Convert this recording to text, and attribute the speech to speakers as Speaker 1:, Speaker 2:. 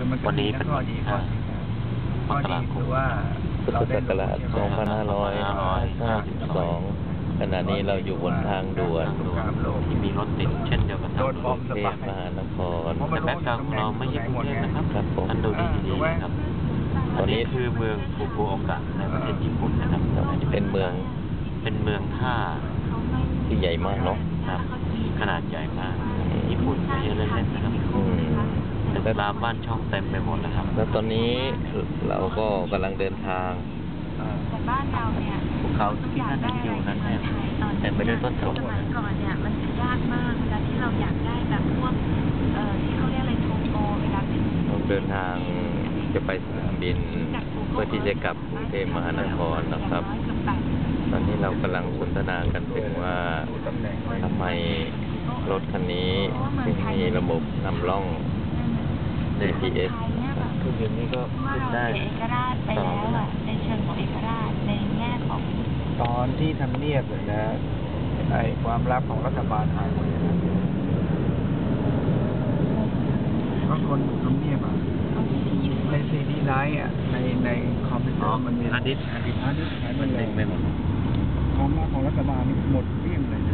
Speaker 1: วันนี้เป็นวันที่5 มกราคม
Speaker 2: พุทธศักราช 2552 ขณะนี้เราอยู่บนทางด่วน
Speaker 1: ที่มีรถติดเช่นเดียวกับทางด่วน
Speaker 2: กรุงเทพมหานคร
Speaker 1: แต่แบ็คกราวด์ของเราไม่ใช่กรุงเทพนะครับ
Speaker 2: ครับผม
Speaker 1: ท่านดูดีๆนะครับอันนี้คือเมืองฟุกุโอกะในประเทศญี่ปุ่นนะครับ
Speaker 2: เป็นเมือง
Speaker 1: ท่า
Speaker 2: ที่ใหญ่มากเนาะ
Speaker 1: ครับขนาดใหญ่มากญี่ปุ่นไม่ใช่เล่นๆนะครับตึกรามบ้านช่องเต็มไปหมดนะครับ
Speaker 2: แล้วตอนนี้เราก็กำลังเดินทาง
Speaker 3: แต่บ้านเราเนี่ย
Speaker 1: ภูเขาที่ท่านเห็นอยู่นั้นเนี่ยเต็มไปด้วยต้นสน
Speaker 3: สมัยก่อนเนี่ยมันจะยากมากเวลาที่เราอยากได้แบบพวกที่เขาเรียกอะไรโทโกเวลาเป็น
Speaker 2: เราเดินทางจะไปสนามบินเพื่อที่จะกลับกรุงเทพมหานครนะครับ ตอนนี้เรากำลังสนทนากันถึงว่าทำไมรถคันนี้ถึงมีระบบนำร่อง GPS
Speaker 1: คือเดี๋ยวนี้ก็
Speaker 3: ว่า
Speaker 1: ขึ้น
Speaker 3: เรา
Speaker 1: ได้
Speaker 3: เสียเอกราชไปแล้วอะในเชิงของเอกราชในแง่ของ
Speaker 4: ตอนที่ทำเนียบเลยนะไอ้ความลับของรัฐบาลหายหมดเลยนะเพราะคนทำเนียบอ่ะในซีดีไลท์อ่ะในคอมพิวเตอร์มันมี
Speaker 1: ฮาร์ดดิสก์
Speaker 4: หายหมดเลย
Speaker 1: เต็มไปหมด
Speaker 4: ความลับของรัฐบาลนี่หมดเกลี้ยงเลย